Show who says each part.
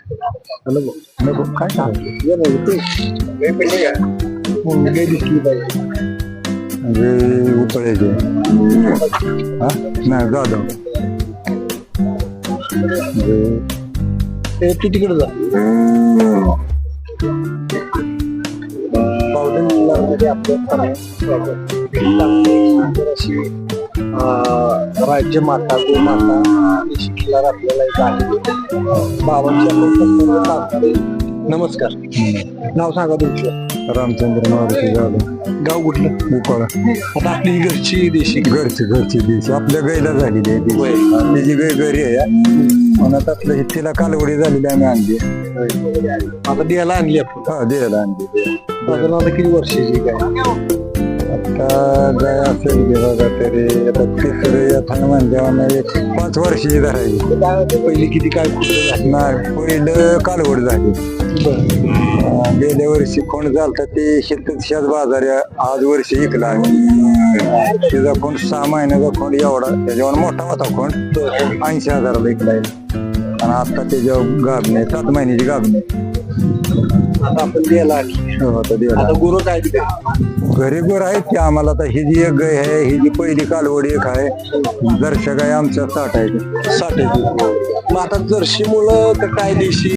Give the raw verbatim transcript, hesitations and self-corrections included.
Speaker 1: नको नको काय सांगतो दिसली पाहिजे
Speaker 2: म्हणजे उपळ्याचे हा नाही जाधव
Speaker 1: ते तू तिकडे जा पावडर राज्य माता गोमाता शिकणार आपल्याला एक आहे बाबांच्या. नमस्कार, नाव सांगा तुमचं.
Speaker 2: रामचंद्र मारुती जाधव
Speaker 1: गाव कुठलं?
Speaker 2: उपळा.
Speaker 1: आता आपली ही घरची देशी
Speaker 2: घरची घरची देशी आपल्या गाईला झालेली आहे ती.
Speaker 1: होय.
Speaker 2: तिची गाय घरी आहे म्हणत आपलं हे तिला कालवडी झालेली आम्ही आणली.
Speaker 1: आता द्यायला आणली आपण.
Speaker 2: हा द्यायला आणली.
Speaker 1: साधारण आता किती वर्षाची काय?
Speaker 2: आता गाय असेल की बघा तरी आता तिसरं येताना म्हणजे एक पाच वर्षाची धरायची.
Speaker 1: पहिली किती काय कुठं झाली?
Speaker 2: नाही पहिलं कालवड झाली. अं, गेल्या वर्षी कोण झालता ते शेतात शेत बाजार आहे. आज वर्षी इकला आम्ही. तिचा कोण सहा महिन्याचा कोण एवढा त्याच्यावर मोठा होता कोण ऐंशी हजाराला इकलाय आणि आता त्याच्यावर गाभणे सात महिन्याची गाभणे.
Speaker 1: आता आपण द्यायला आणली.
Speaker 2: हो, आता द्यायला.
Speaker 1: आता गुरु काय दिले?
Speaker 2: घरी गोर आहेत की आम्हाला आता ही जी एक गाय आहे ही जी पहिली कालवडी एक आहे. जरशा गाय आमच्या साठ आहे.
Speaker 1: साठ आहे. मग आता जर्शी मुलं का काय देशी